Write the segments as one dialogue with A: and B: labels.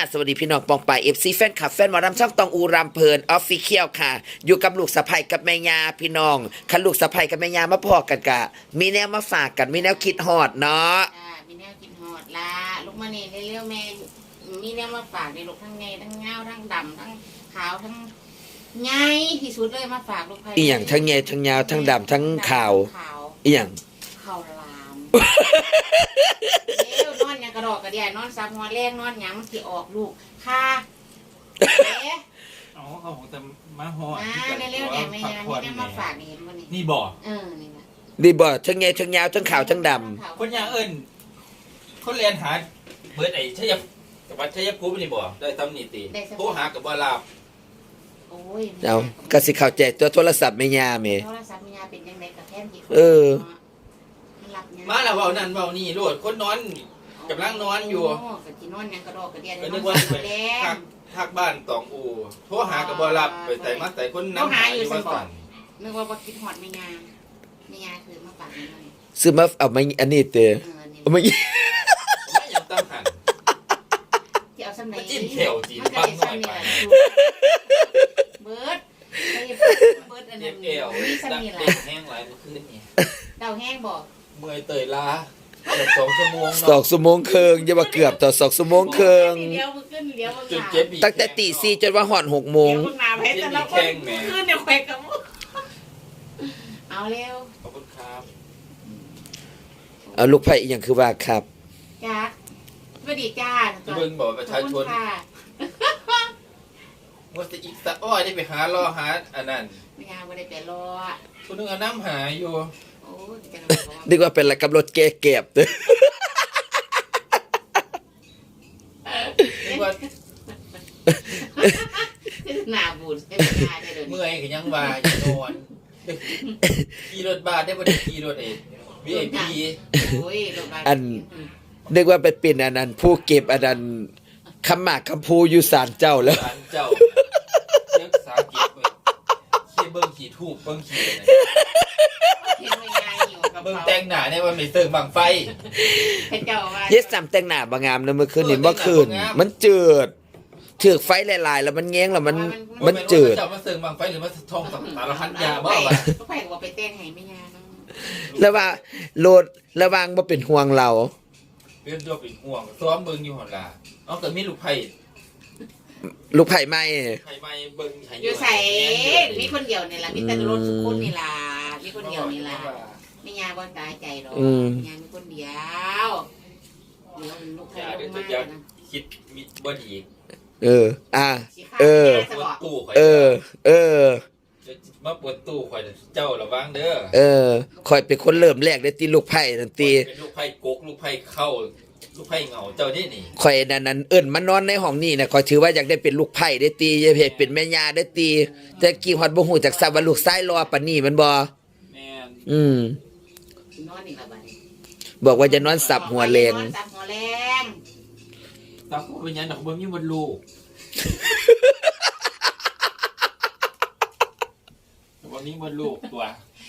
A: สวัสดีพี่น้องปองปายFC แฟนคลับแฟนหมอลำช่องตองอูรำเพลินออฟฟิเชียลค่ะอยู่กับลูกสะใภ้กับแม่ยาพี่น้องคันลูกสะใภ้กับแม่ยามาพอกันกะมีแนวมาฝากกันมีแนวคิดฮอดเนาะ
B: มีแนวกินหอดละลูกมาเนี่ยเร็วๆแม่มีแนวมาฝากในลูกทั้งไงทั้งเงาทั้งดำทั้งขาวทั้งไงที่สุดเลยมาฝากลูกไผ่
A: อีหยังทั้งแง่ทั้งยาวทั้งดำทั้งขาวอีหยัง
B: ข้าวลามเร็วนอนยังกระดอกกระเดียนอนซับหัวแรงนอนยังมันสิออกลูกค่ะ
C: อ๋อเขาของแต่มาหอด
B: เร็วๆเนี่ยไม่ยังมีแนวมาฝากนี่เห็นบ่นี่
C: นี่บ่
B: นี่นะ
A: ดีบ่ทั้งแง่ทั้งยาวทั้งขาวทั้งด
C: ำคนอย่างเอิญคนเรียนหาเบิร์ดไอ้ชัยกับวัดชัยภูมินี่บ่ได้ตำหนิตีโทรหากับบ่ลาบ
B: โอ้ย
A: เอาก็สิเข้าใจตัวโทรศัพท์แม่ยาแม่
B: โทรศัพท์แม่ยาเป็นจังได๋ก็แท้กี่
C: มาแล้วเว้านั่นเว้านี่โลดคนนอนกำลังนอนอยู่
B: ก็สินอนยังกระดอกกระเดียน
C: นึกว่าทักบ้านตองอูโทรหากับบ่รับไปใส่มาใส่คนนำหาอยู่ว่าสั่น
B: นึกว่าบ่คิดฮอดแม่ยาคือมาฝากนี่
A: ซื้อมาเอามาอันนี้เตอเอามา
C: ยังตั้งหัน
B: ที่เอาซ้ำไหน
C: จิ้มแถวจีนบ้างหน่อยไป
B: เบิร์ดอันนี้
C: เอวดังเด็กแห้งหลายเมื่อคืนนี่
B: เดาแห้งบอก
C: เมื่อยเตยล้า2 ชั่วโมง
A: 2 ชั่วโมงครึ่งอย่าว่าเกือบต่อ2 ชั่วโมงครึ่ง
B: จุ
A: ดเจ็บตั้งแต่ตี 4จนว่าฮอด6 โมง
B: ขึ้นเดี๋ยวแขวกับเอาเร็ว
C: ขอบคุณครับ
A: เอาลูกไผ่อีหยังคือว่าครับ
B: จ้าสวัสดีจ้า
C: เบิ่งบอกประชาชนว่าจะอีกสักอ้อยได้ไปหารอหาอันนั้น
B: ไม่ยาไม่ได้ไปรอ
C: คนนึงเอาน้ำหาอยู่
A: นึกว่าเป็นอะไรกับรถแก้เก็บเด้อ
B: หน้าบูด
C: เมื่อยก็ยังว่าอยู่นอนขี่รถบ้านได้บ่ได้ขี่รถVIP
A: อันนึกว่าไปเป็นอันนั้นผู้เก็บอันนั้นคำหมากคำพูอยู่ศาลเจ้าแล้ว
C: ศาลเจ้าเรียกศาลเก็บไว้ขี่เบิ่งขี่ทูบเบิ่งขี่เบิ่งแต่งหน้าเนี่ยว่าไม่เติมบังไฟ
A: เฮ็ดซ้ำแต่งหน้าบ่งามเด้อเมื่อคืนนี่บ่คืนมันจืดถือไฟหลายๆแล้วมันแง้งแล้วมันจืด
C: เจ้ามาเติมบังไฟหรือมาท่องสารพัดยาบ่
B: ว่าไปว่าไปเต้นให้แม่ยา
A: แล้วว่าโลดระวังบ่เป็นห่วงเรา
C: เป็นตัวเป็นห่วงซ้อมเบิ่งอยู่หั่นล่ะเอาก็มีลูกไผ่
A: ใหม่
C: เบิ่งให้
B: อยู่ใส่มีคนเดียวนี่ล่ะมีแต่รถทุกคนนี่ล่ะมีคนเดียวนี่ล่ะไม่ยาบ่ตายใจหรอกยามีคนเดียวเดี๋ยวลูกไผ่ลงมานะ
C: คิดมีบ่ดีมาปวดตู้ข่อยเจ้าระวังเด้อ
A: ข่อยเป็นคนเริ่มแรกได้ตีลูกไผ่นั่นตี
C: เป็นลูกไผ่กกลูกไผ่เข้าลูกไผ่เหงาเจ้านี่
A: ข่อยนั้นเอิ้นมานอนในห้องนี้น่ะข่อยถือว่าอยากได้เป็นลูกไผ่ได้ตีอย่าเฮ็ดเป็นแม่ย่าได้ตีแต่กี่ฮอดบ่ฮู้จักซับว่าลูกชายรอปานนี้มันบ่
C: แม่
A: น
B: อนนี่ล่ะบัดนี้
A: บอกว่าจะนอนสับหัวแรง
C: สับหัวเป็นหยังดอกบ่มีมดลูกวันนี้มันลูกตัว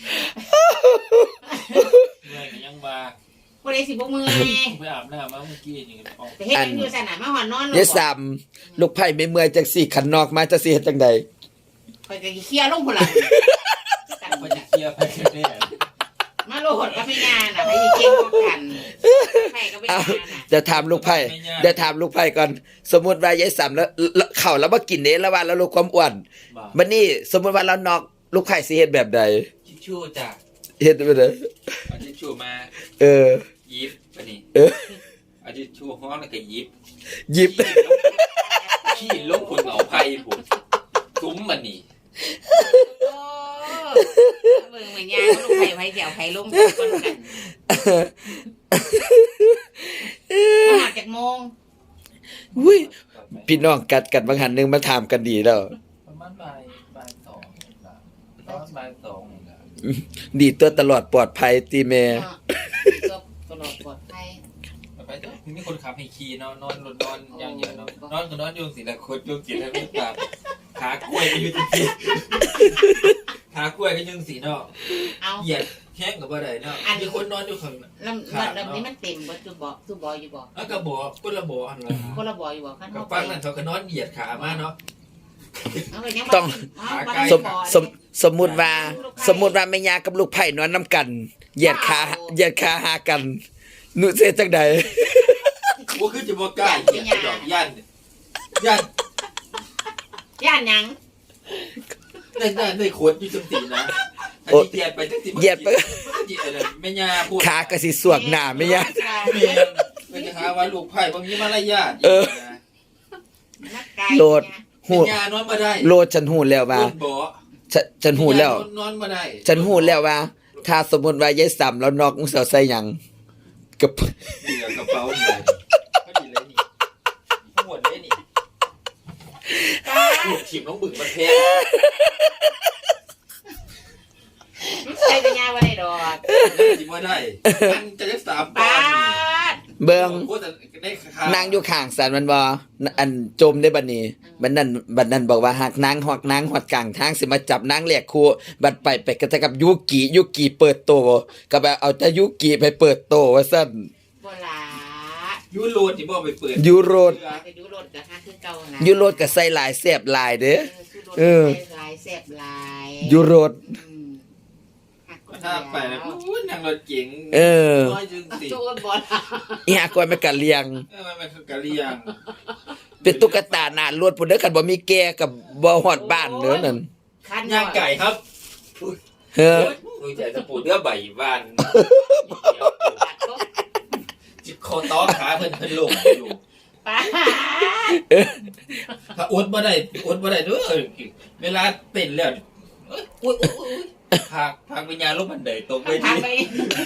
C: เมื่อยก็ยังมา
B: บ่ได้สิบ่เมื่อย
C: ไปอาบน้ำมาเมื่อกี้นี่
B: ออกแต่เฮ็ดจังอยู่ซั่นน่ะมาหอนนอน
A: เฮ็ดซ้ำลูกไผ่ไม่เมื่อยจังซี่ขันนอกมาจะสิเฮ็ดจังได๋
B: ข่อยก็เคลียร์ลงพุ่นล่ะ
C: ข่อยจะเคลียร์ไปแน่
B: มาโลดก็ไม่งานน่ะให้เก่งกว่ากันไผ่ก็ไม่งานน่ะ
A: จะถามลูกไผ่ก่อนสมมุติว่ายายซ้ำแล้วเข้าแล้วบ่กินเด้แล้วว่าแล้วลดความอ้วนบัดนี้สมมุติว่าเรานอกลูกไผ่สิเฮ็ดแบบใด
C: ทิชชู่จ้ะ
A: เฮ็ดแบบใด
C: เอาทิชชู่มาหยิบปะนี่เอาทิชชู่ฮ้อนแล้วก็หยิบขี้ลงพุ่นเอาไผ่พุ่นซุ้มมันนี่
B: เบิ่งเหมือนยาลูกไผ่เดี๋ยวไผ่ลงกันมาจากโมง
A: อุ้ยพี่น้องกัดกันบางหันนึงมาถามกันดีแล้ว
C: ประมาณบ่าย2
A: ดีตัวตลอดปลอดภัยตีแม่
B: ตลอดปลอดภัย
C: ไปเถอะมีคนขับให้ขี่นอนอย่างเดียวเนาะนอนก็นอนยุ่งสิละคนยุ่งสิแล้วไม่ตามขากล้วยก็อยู่จริงๆขากล้วยก็ยุ่งสิเนาะเหยียดแห้งกับอะไรเนาะมีคนนอนอยู่ข้าง
B: ลำนี้มันเต็มบ่ตู้บ่อยู่บ่
C: แล้วก็บอกคนละบอกอันละ
B: คนละบ่อยู่บ่คัน
C: กับ
B: เฮาไป
C: ฟังนั่นเขาก็นอนเหยียดขามาเนาะ
A: ต้อง สมมุติว่าแม่ยากับลูกไผ่นอนนํกันเหยียดขาหากันหนูสิจังใด
C: ว่าคือจะบอกกล้าเหยียดดอกย่าน
B: ย่านหยัง
C: ในขวดอยู่จังสีนะอันนี้เหยียดไปจังสีเหยียดไปแม่ยาพูด
A: ขาก็สิสวกหน้าแม่ยา
C: มันจะหาว่าลูกไผ่บางทีมารยาท
A: โหลด
C: แม่ยานอนมาได้
A: โลดฉันหูแล้วว่า
C: บ่
A: ฉันหูแล้ว
C: นอนมาได้
A: ฉันหูแล้วว่า ถ้าสมมุติว่ายายซ้ำแล้วนอกมึงสิเอาใส่หยังกับ
C: เหลือกระเป๋าเลยก็ดีเลยนี่หมดเลยนี่ลูกถิ่มน้องบึกมันแพง
B: ใส่ปัญญาบ่ได้ดอก
C: จิมาได้มันจะได้3
B: ปา
C: ปอน
B: ด
A: เบิ่ง
C: โคตรได้ค่
A: นางอยู่ข้างสันมันบ่อันจมได้บัดนี้บัดนั้นบอกว่าหากนางฮอดกลางทางสิมาจับนางเรียกครูบัดไปก็จะกับยุกิเปิดโตก็แบบเอาแต่ยุกิไปเปิดโตว่าซั่น
B: บ่ล่ะ
C: ยูโรที่บ่ไปเปิด
A: ยูโรด
B: ไปดูรถก็หาคือเก่านะ
A: ยูโรดก็ใส่หลายแซ่บหลายเด้อ
B: เออลายแซ่บลาย
A: ยูโรด
C: ถ้าไปแล้วนั่งรถเก๋ง
A: เออ
C: น้อยจึงสิ
B: โจรบ่ล่ะ
A: อีหากอยมันก็เลี้ยง
C: มันคือกะเลียง
A: เป็นตุ๊กตาหน้ารถพุ่นเด้อคันบ่มีแก่กับบ่ฮอดบ้านเด้อนั่น
B: คัน
C: ย่างไก่ครับ
A: เฮ้อ
C: ดูใจจะปูดเนื้อใบบ้านจิบคอต้อขาเพิ่นลงอยู่
B: ป้า
C: ถ้าอดบ่ได้เด้อเวลาเต้นแล้วอุ้ยพักวิญญาณลงบันไดตกไป
B: ทา
C: ที่
B: งไป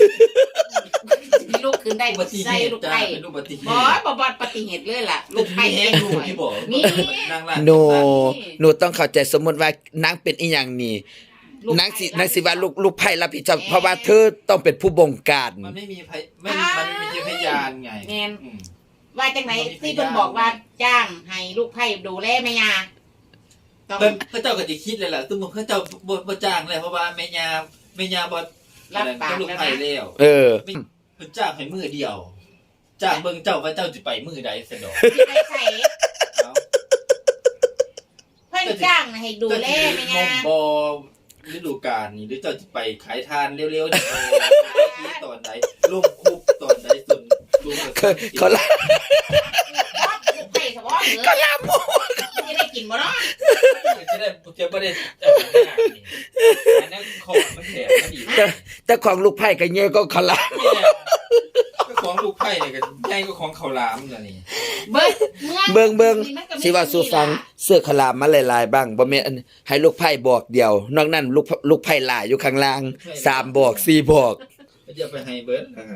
B: ลูกขึ้นได้
C: อุบัติเห
B: ใส่
C: ตุ
B: ลูก
C: จ้า
B: ไผ่
C: เป็นอุบัติเห
B: บ่
C: ตุ
B: บ่ปฏิเหตุเลยล่ะลูกไผ่
C: แห้งลูกที่บอก
B: มี
C: นางร้าน
A: หนูต้องเข้าใจสมมุติว่านางเป็นอีหยังนี่นางสิว่าลูกไผ่รับผิดชอบเพราะว่าเธอต้องเป็นผู้บงการ
C: มันไม่มีมันมีพยานไง
B: แม่นว่าจังไหนที่เพิ่นบอกว่าจ้างให้ลูกไผ่ดูแลแม่ยาต้อง
C: พระเจ้าก็จะคิดเลยล่ะสมมติพระเจ้าบ่จ้างเลยเพราะว่าแม่ยาบ่
B: รับปาก
C: ลูก
B: แล้ว
C: ไผ่
B: นะ
C: แล้ว
A: เออ
C: เพิ่นจ้างให้มือเดียวจ้างเบิ่งเจ้าว่าเจ้าสิไปมือใดซะดอก
B: ที่ไปใส่
C: เอ้า
B: เพิ่นจ้างให้ดูแลแม่ยา
C: บ่ฤดูกาลนี่หรือเจ้าสิไปขายทานเร็วๆนี่ตอนใดลงคุกตอนใดจนลุง
A: เขาละ
B: ลูกไผ่สะบ่เหรอ
A: ก็ลาหมู
B: จะได้กินบ่เนาะ
C: จะบ่ได้อันนั้นของมันแถมมันอีก
A: แต่ของลูกไผ่ก็เยอะก็เขาละ
C: ก็ของลูกไผ่เนี่ยก็ใหญ่ก็ของข้าวหลามน่ะนี่
B: เบิ่ง
A: สิว่าสู่ฟังเสื้อขลามมาหลายๆบ้างบ่แม่นให้ลูกไผ่บอกเดียวนอกนั้นลูกไผ่หลายอยู่ข้างล่าง3บอก4บอก
C: ก็จะไปให้เบิร์ดนะครับ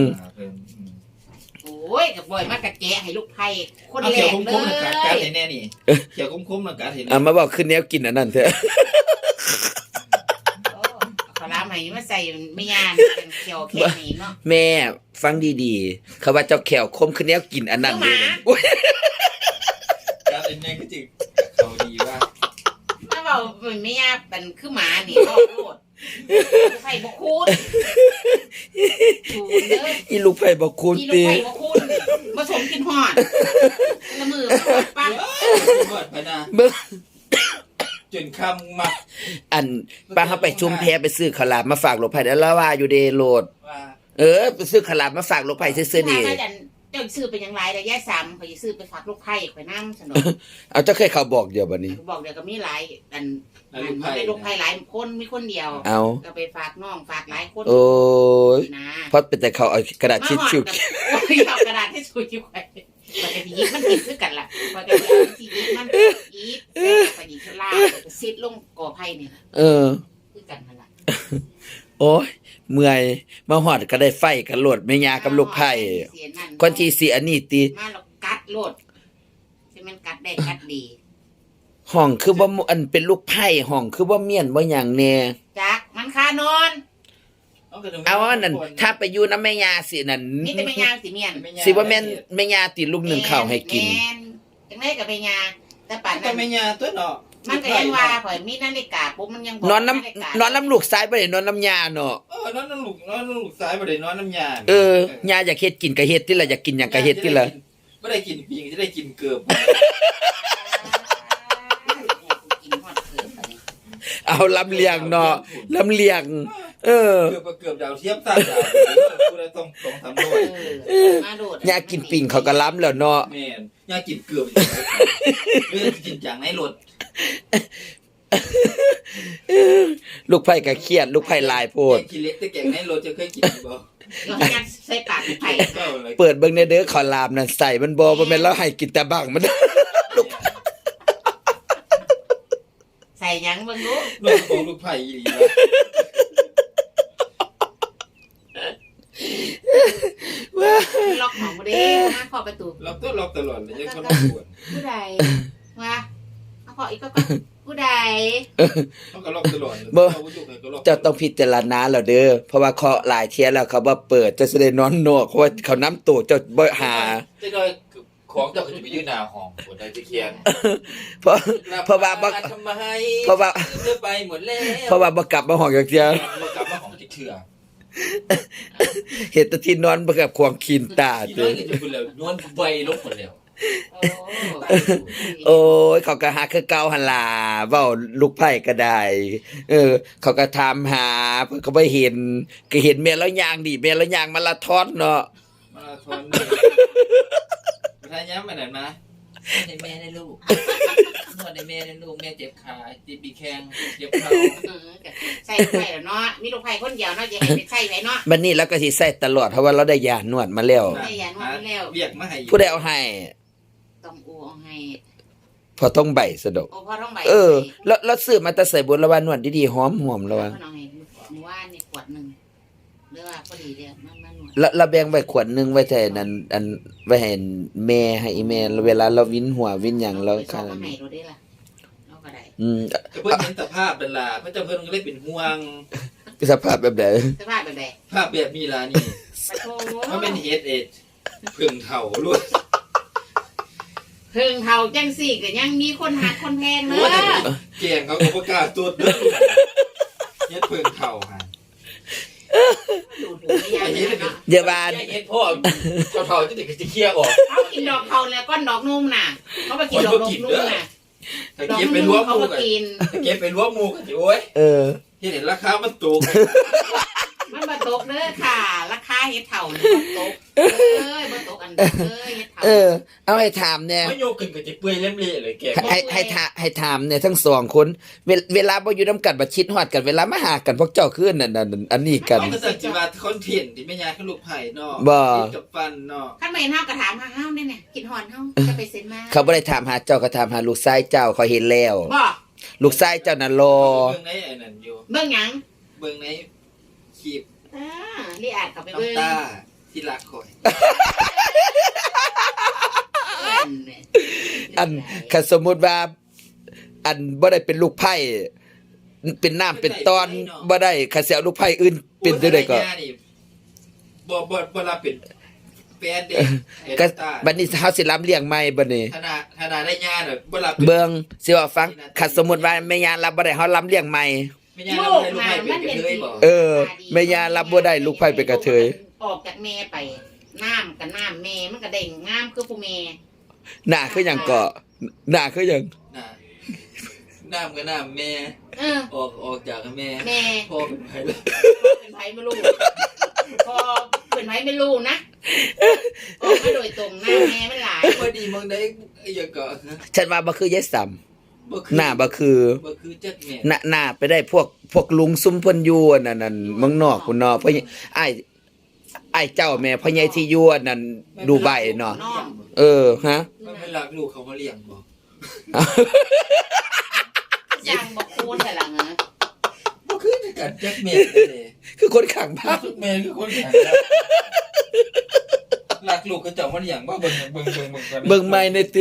B: โอ้ยกับบ่อยมากกะแกะให้ลูกไผ่คน
C: เอา
B: แร
C: เขียว
B: ก
C: คุ้
B: เล
C: มๆนะกัด
B: ย
C: ให้แน่นี่เขียวคุ้มๆนะกัดให้แน่
A: เอามาบอกขึ้นแนวกินอันนั้นเถอะ
B: ขอลามให้มาใส่ไม่ยานเป็นเขียวแค่นี้เนาะ
A: แม่ฟังดีๆเขาว่าเจ้าแขวคมขึ้นแนวกินอันนั้นเลยนะอุ๊ย
C: กัดให้แน่ก็จึงเขาดีว่า
B: ถ้าเว้าไม่ยานเป็นคือหมานี่เว้าโลดไผ่บ่คูณคูณเด้อ
A: อีลูกไผ่บอกคุณ
B: อีลูก
A: ตี
B: ไผ่บ่คูณผสมกินฮอดละมือป้า
C: หมดไปนะ
A: เบิ่ง
C: จนคำมา
A: อันป้าเขาไปชุมแพไปซื้อขาวหลามมาฝากลูกไผ่แล้วว่าอยู่เดโลด
C: ว่า
A: ไปซื้อขาวหลามมาฝากลูกไผ่ซื่อๆนี่
B: เจ้าซื้อเป็นอย่างไรแต่แย่ซ้ำเขาจะซื้อไปฝากลูกไผ่ข่อยน้ำสนุก
A: เอาเจ้าเคยเขาบอกเดียวบัดนี้
B: บอกเดี๋ยวก็มีหลายอันมันได้ลูกไผ่หลายคนมีคนเดียว
A: เอา
B: ก็ไปฝากน้องฝากหลายคน
A: โอ้ย
B: นะ
A: เพราะเป็นแต่เขาเอากระดาษทิชชู่
B: โอ้ยเอากระดาษที่ชูจิ้วไว้ปกติยิบมันติดด้วยกันล่ะปกติที่ยิบมันยิบปกติชลาซิดลงก่อไผ่เนี่ย
A: เออ
B: คือกันนั่นแหละ
A: โอ้ยเมื่อยมาหอดก็ได้ไฟกันโหลดแม่ยากับลูกไผ่คนที่สิอันนี้ติ
B: มาเรากัดโลดใช่มันกัดได้กัดดี
A: ห้องคือบ่อันเป็นลูกไผ่ห้องคือบ่เมียนบ่หยังแน่
B: จักมันคานอน
A: เอาว่านั่นถ้าไปอยู่นำแม่ยาสินั่น
B: นี่แต่แม่ยาสิเมียน
A: สิว่าแม่นแม่ยาติลูกหนึ่งข้าวให้กิน
B: แม่จังได๋กับแม่ยาแต่ป่าน
C: ก็
B: นั้น
C: ไม่ยาตัวเนาะ
B: มันก็ยังว่าข่อยมีนาฬิกาปุ๊บมันยังบอก
A: นอน
B: ฬิกา
A: น้ำนอนน้ำลูกซ้ายบ่ได้นอนน้ำยาเนาะ
C: นอนลูกซ้ายบ่ได้นอนน้ำยา
A: ยาอยากเฮ็ดกินก็เฮ็ดติล่ะอยากกินหยังก็เฮ็ดติล่ะ
C: บ่ได้กินปิงจะได้กินเกือบ
B: กินฮอดเกินไป
A: เอาลำเลียงเนาะลำเลียง
C: เกือบดาวเทียม3ดาวผู้ใดต้อง2-3ร้อย
B: มาโดด
A: ยากินปิ่งเขาก็ล้ำแล้วเนาะ
C: แม่นยากินเกือบเรื่องกินจังในรถ
A: ลูกไผ่ก็เครียดลูกไผ่ลายโพด
C: กินเล็กแต่แกงในรถจะเคยกินบ่
B: เรางัดใส่ปากไผ่
A: เปิดเบิ่งในเด้อขอลามนั่นใส่มันบ่แม่นเราให้กินแต่บังมัน
B: ใส่หยังเบิ่งดู
C: ลูกของลูกไผ่อีหลีนะ
B: ล็อกของบ่ได้มาขอประตู
C: ล็อกตลอดเลยยังคนปวด
B: ผู้ใดมาเอาขออีกก็ผู้ใด
C: เขาก็ล็อกตลอด
A: เจ้าต้องพิจารณาแล้วเด้อเพราะว่าเคาะหลายเที่ยแล้วเขาบ่เปิดเจะสิได้นอนนอกเพราะว่าเขาน้ำตู้เจ้าบ่หา
C: จะได้ของเจ้าก็จะไปยืนหน้าห้องปวดได้จะเคียง
A: เพราะว่าบ่
C: ทำไม
A: เพราะว่า
C: เธอไปหมดแล้ว
A: เพราะว่าบ่กลับมาห้องจักเที่ย
C: บ่กลับมาของจิเถื่อ
A: เฮ็ดแต่ที่นอนบ่กับควงคีนตา
C: ที่
A: เด้
C: นั่
A: อน
C: ก็จะพูดแล้วนวลใบลงหมดแล้ว
A: โอ้ยเขาก็หาคือเก่าหั่นล่ะเว้าลูกไผ่ก็ได้เขาก็ถามหาเพิ่นก็บ่เห็นก็เห็นแม่แล้วย่างดิแม่แล้วย่างมาราธอนเนาะ
C: มาราธอนประธานย้ำมาไหนมาในแม่ในลูกนวดในแม่ในลูกแม่เจ็บขาเจ็บปีแข้งเจ็บเข่า
B: ใส่ไผ่แล้วเนาะมีลูกไผ่คนเดียวเนาะอย่าให้ไปใส่ไว้เนาะ
A: บัดนี้เราก็สิใส่ตลอดเพราะว่าเราได้ยานวดมาแล้ว
B: ได้ยานวดแล้ว
C: เบียกมาให้
A: ผู้ใดเอาให้
B: ต้องอูเอาให้
A: พอต้องใบสะดอก
B: โอ้พ่อต้องใบ
A: แล้วซื้อมาแต่ใส่บนละวันนวดดีๆหอมๆแล้วว่า
B: พ่อน้องให้หมู่ว่านี่ขวดนึงหรือว่าพอดีเด้อมันหนวด
A: แล้วแบ่งไว้ขวดนึงไว้แต่นั้นอันไว้ให้แม่ให้อีแม่เวลาเราวินหัววินหยังเรา
B: ไปส่
A: ค่ะ
B: งมาให้เราได้ล่ะเราก็ได้
C: เพิ่นเห็นสภาพนั่นล่ะเพิ่นเจ้าเพิ่นก็เลยเป็นห่วง
A: สภาพแบบใด
B: สภาพแบบใด
C: ภาพแบบนี้ล่ะนี่
B: ปะโถ
C: มันเป็นเฮดเอ็ดเพิ่งเฒ่าล้วน
B: เพิ่งเฒ่าจังสี่ก็ยังมีคนหักคนแพงเด้อ
C: แกงเขาก็บ่กล้าตรวจเด้อเฮ็ดเพิ่งเฒ่าหั่น
B: ดูดหูไม่ยากเลยเนาะ
A: อย่าว่า
C: เฮ็ดพ่อเฒ่าๆจังได๋ก็สิเคลียร์ออก
B: เขากินดอกเขาแล้วก้อนดอกนุ่มน่ะเขาไปกินดอกนุ่มน่ะ
C: ถ้า
B: ดอก
C: เก็บไป
B: นุ่
C: รว
B: ม
C: มห
B: เขา
C: มู่
B: ก็
C: กัน
B: กิน
C: ถ้าเก็บไปรวมหมู่กันสิโอ้ย
A: เออ
C: เฮ็ดให้ราคามันตก
B: มันบ่ตกเด้อค่ะ ราคาเฮ็ดเถ่านี่บ่ตกบ่ตกอันเด้อเฮ็ดเถ่า
A: เอาให้ถามเนี่ย
C: มันโยกขึ้นก็จะเปื่อยเล่มเละเลยแก
A: ให้ถามเนี่ยทั้งสองคนเวลาบ่อยู่นำกันบ่ชิดฮอดกันเวลามาหากันพวกเจ้าคือนั่นอันนี้กัน
C: มันก็สังสิว่าคอนเทนต์ที่แม่ยายเขาลูกไผ่เนาะ
A: บ่
C: กินกับฟันเนาะ
B: คันไม่เห็นเฮาก็ถามหาเฮาแน่ๆกินฮอนเฮาจะไปเซ็นมา
A: เขาบ่ได้ถามหาเจ้าก็ถามหาลูกชายเจ้าเขาเห็นแล้ว
B: บ่
A: ลูกชายเจ้าน่ะรอ
C: เบิ่งในไอ้นั่นอยู่
B: เบิ่งหยัง
C: เบิ่งในคลิป
B: รีอาดเข้าไปเบิ่ง
C: น้ำตาที่รักคอย
A: อันคันสมมุติว่า อันบ่ได้เป็นลูกไผ่เป็นน้ำเป็นตอนบ่ได้คันสิเอาลูกไผ่อื่นเป็นจังได๋ก็
C: บ่รับเป็นแฟนเด็ก
A: ก็บัดนี้เฮาสิรับเลี้ยงใหม่บัดนี้
C: ธนาได้ญาน่ะบ่รับ
A: เบิ่งสิว่าฟังคันสมมุติว่าแม่ย่ารับบ่ได้เฮารับเลี้ยงใหม่
C: แม่ยายเราได้ลูกไผ่เป็นกระเทยบ่
A: แม่ย่ารับบ่ได้ลูกไผ่เป็นกระเทย
B: ออกจากแม่ไปน้ำกับน้ำแม่มันก็เด้งงามคือผู้แม่
A: หน้าคือหยังก็หน้าคือหยัง
C: น่ะน้ำกับน้ำแม่
B: เออ
C: ออกจากแม่
B: แม่
C: พ่อเป็นไผล่ะ
B: เป็นไผไม่รู้พอเป็นไผไม่รู้นะออกมาโดยตรงหน้าแม่มันหลาย
C: พอดีมึงได้อย่าก็
A: ฉันว่าบ่คือยายซ้ำ
C: บ่
A: หน้าบ่คือ
C: บ่คือจักแม่
A: หน้าไปได้พวกลุงซุมเพิ่นอยู่นั่นเมืองนอกพุ่นเนาะเพราะอ้ายเจ้าแม่พ่อใหญ่ที่อยู่นั่นดูไบเนาะฮะ
C: มันไม่รักลูกเขามาเลี้ยงบ่
B: ย่างบอกคูณแต่ละเงอ
C: บ่คือกันจักแม่เลย
A: คือคนข้างบ้าน
C: แม่คือคนแข็งรักลูกเขาเจ้ามาเลี้ยงบ่เบิ่งกัน
A: เบิ่งใหม่ในติ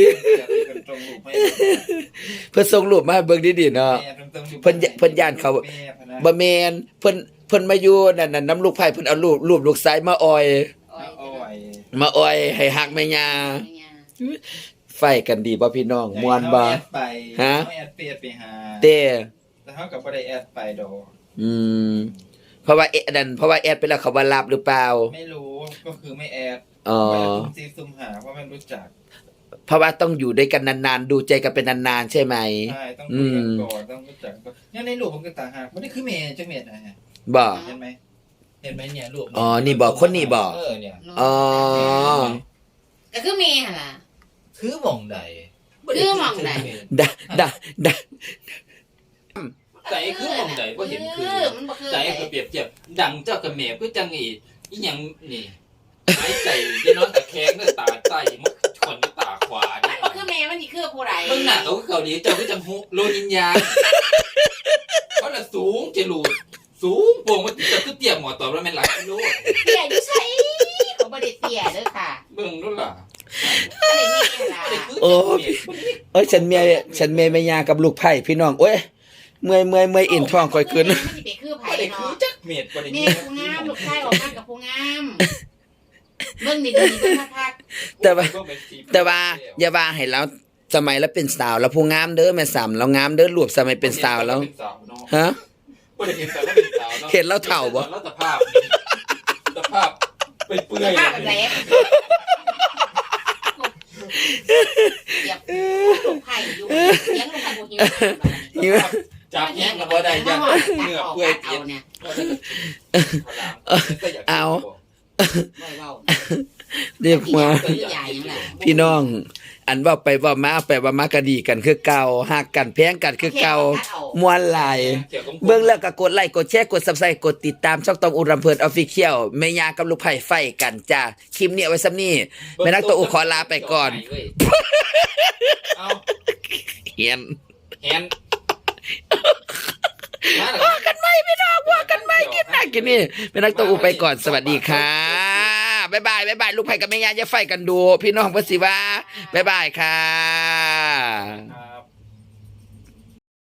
A: เพิ่นส่งรูปมาให้เบิ่งดีๆเนาะเพิ่นย่านเขาบ่แม่นเพิ่นมาอยู่นั่นน้ำลูกไผ่เพิ่นเอารูปลูกชายมาออยให้ฮักแม่ย่าไฟกันดีบ่พี่น้องม่วนบ่
C: แอดไป
A: ฮะ
C: แอดไปหา
A: เต้
C: แต่เขากับบ่ได้แอดไปดอก
A: อืมเพราะว่าเพราะว่าแอดไปแล้วเขาบ่รับหรือเปล่า
C: ไม่รู้ก็คือไม่แอด
A: อ๋อ
C: ไปซุ่มซีซุ่มหาเพราะไม่รู้จัก
A: เพราะว่าต้องอยู่ด้วยกันนานๆดูใจกันเป็นนานๆใช่ไหม
C: ใช่ต้องคุยกันก่อนต้องรู้จักก่อนเนี่ยในรูปผมก็ต่างหากไม่ได้คือเมย์จังเมย์นะฮะ
A: บ่
C: เห็นไหมเนี่ยรูป
A: อ๋อนี่บอกคนนี้บอก
C: เนี่ย
A: อ๋อ
B: ก็คือเมย์หั่นล่ะ
C: คือหมองใด
B: คือหม่องใด
A: ดะดะดะ
C: ใจคือหมองใดบ่เห็นคือ
B: มันบ่คือ
C: ใจก็เปรียบเทียบดังเจ้ากับแม่คือจังอีหยังนี่หายใจจะนอนตะแคงเด้อตาใต้มันชนด้วยตาขวา
B: มั
C: เนี่
B: น
C: ย
B: บ่คือเมย์มันสิคือผู้ใด
C: เบิ่งหน้าเขาคือเกาหลีเจ้าคือจังฮุโลนินยาเขาน่ะสูงจะหลุดสูงโป่งมันจะคือเตี้ยหมอตอบแล้วแม่นหลายกิโล
B: เตี้ยอยู่ไสเขาบ่ได้เตี้ยเด้อค่ะ
C: เบิ่งนู่นล่ะ
B: บ่ได้เมย์ล่ะ
A: โอ้ยฉันเมียแม่ยากับลูกไผ่พี่น้องโอ้ยเมื่อยอินท้องค่อยขึ้น
B: มันสิไปคือไผ
C: บ่ได้คือ
B: เนาะ
C: จักเม็ดบ่ได้
B: เม
C: มี
B: ย์ผู้งามลูกชายออกมากับผู้งามเบิ่งดีๆเบิ่งคัก
A: แต่ว่าอย่าว่าให้เราสมัยแล้วเป็นสาวแล้วผู้งามเด้อแม่สามแล้วงามเด้อรวบสมัยเป็นสาวแล้วฮะ
C: บ่ได้เห็นแต่ว่าเป็นสาวเนาะ
A: เห็นแล้วเฒ่าบ่
C: แล้วสภาพเปื่อย
B: ๆ
C: ๆ
B: ภาพแบบไหนเดี๋ยวลูกไผ่อยู่เลี้ยงลูกไผ่บ่หิว
C: จับแย่งกันบ่ได้จังเหงื่อเปื่อย
B: เอา
C: เปียก
B: เนี่ย
A: เอา
B: บ่เว้า
A: เรียกมา
B: คือใหญ่ยังล่ะ
A: พี่น้อง อันเว่าไปเว่ามาไปเว่ามาก็ดีกันคือเก่าฮักกันแพงกันคือเก่าม่วนหลายเบิ่งแล้วก็กดไลค์กดแชร์กด Subscribe กดติดตามช่องตองอุรำเพลิน Official แม่ยากับลูกไผ่ไฟกันจ้าคลิปนี้เอาไว้ซ้ำนี้แม่นักตัวอุขอลาไปก่อน
C: เอา
A: เฮียน
C: แฮนมา
A: ว่ากันไหมพี่น้องว่ากันไหมกินหนักกินนี่แม่นักตัวอุไปก่อนสวัสดีค่ะบ๊ายบายลูกไผ่กับแม่ยาอย่าไฟกันดู พี่น้องเพิ่นสิว่าบ๊ายบายค่ะ